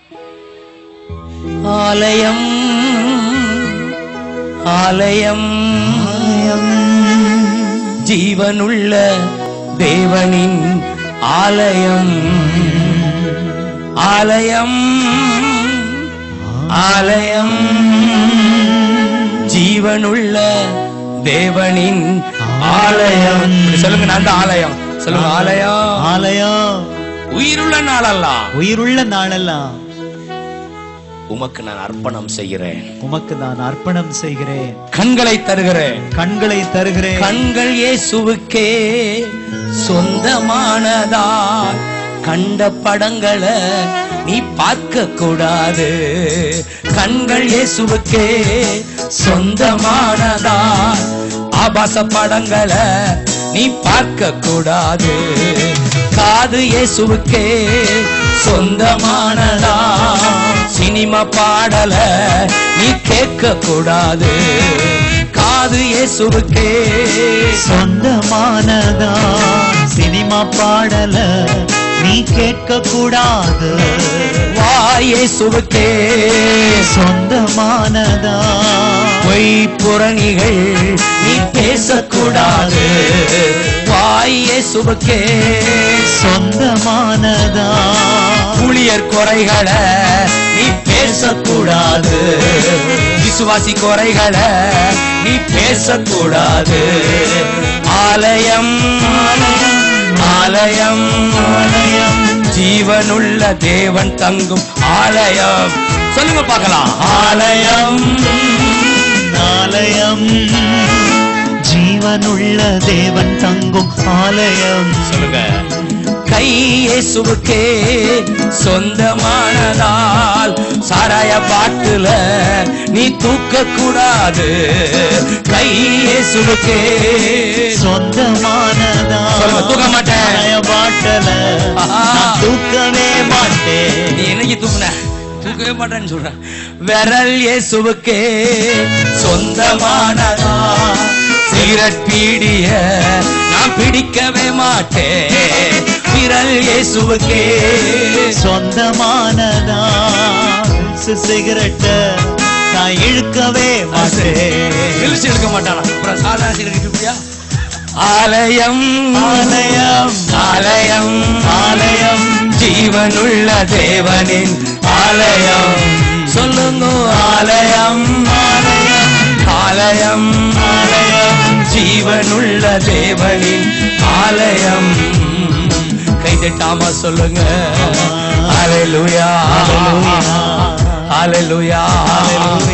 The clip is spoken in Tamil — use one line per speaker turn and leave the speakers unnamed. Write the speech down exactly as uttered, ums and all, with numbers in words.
ஆலயம் ஆலயம் ஜீவனுள்ள தேவனின் ஆலயம் ஆலயம் ஆலயம் ஜீவனுள்ள தேவனின் ஆலயம். சொல்லுங்க, நான் தான் ஆலயம். சொல்லுங்க, ஆலயம்
ஆலயம்.
உயிருள்ள நாளெல்லாம்
உயிருள்ள நாளெல்லாம்
உமக்கு நான் அர்ப்பணம் செய்கிறேன்.
உமக்கு நான் அர்ப்பணம் செய்கிறேன்.
கண்களை தருகிறேன்.
கண்களை தருகிறேன்.
கண்கள் இயேசுவுக்கே சொந்தமானதா. கண்ட படங்களை நீ பார்க்க கூடாது. கண்கள் இயேசுவுக்கே சொந்தமானதா. ஆபாச படங்களை நீ பார்க்க கூடாது. காது இயேசுவுக்கே சொந்தமானதா. சினிமா பாடல நீ கேட்க கூடாது. காது இயேசுவுக்கே
சொந்தமானதா. சினிமா பாடல நீ கேட்க கூடாது.
வாய் இயேசுவுக்கே
சொந்தமானதா.
பொய் புரணிகள் நீ பேசக்கூடாது. வாய் இயேசுவுக்கே
சொந்தமானதா.
ஊழியர் குறைகளை நீ பேசக்கூடாது. விசுவாசி குறைகளை நீ பேசக்கூடாது. ஆலயம் ஆலயம் ஆலயம் ஜீவனுள்ள தேவன் தங்கும் ஆலயம். சொல்லுங்க பார்க்கலாம். ஆலயம்
ஆலயம் ஜீவனுள்ள தேவன் தங்கும் ஆலயம்.
சொல்லுங்க. கை இயேசுவுக்கே சொந்தமானதால் சாராய பாட்டுல நீ தூக்க கூடாது. கை இயேசுவுக்கே
சொந்தமானதா.
சொல்லுங்க, தூக்க மாட்டேன்.
சாராய பாட்டுல நான் தூக்கவே மாட்டேன்.
நீ என்னைக்கு தூக்குன? தூக்கவே மாட்டேன்னு சொல்ற. விரல் இயேசுவுக்கே சொந்தமானதா. சிகரெட் பீடிய நான் பிடிக்கவே மாட்டேன். விரல் இயேசுவுக்கே
சொந்தமானதா. சிகரெட்ட நான் இழுக்கவே மாட்டேன்.
இழுச்சு இழுக்க மாட்டானா? அப்புறம் சாதாரண சிகரெட் இப்படியா? ஆலயம்
ஆலயம்
ஆலயம்
ஆலயம்
ஜீவனுள்ள தேவனின் ஆலயம். சொல்லுங்க. ஆலயம்
ஆலயம்
ஆலயம் ஆலயம் ஜீவனுள்ள தேவனின் ஆலயம். கைதட்டாம சொல்லுங்க. ஹல்லேலூயா ஹல்லேலூயா ஹல்லேலூயா.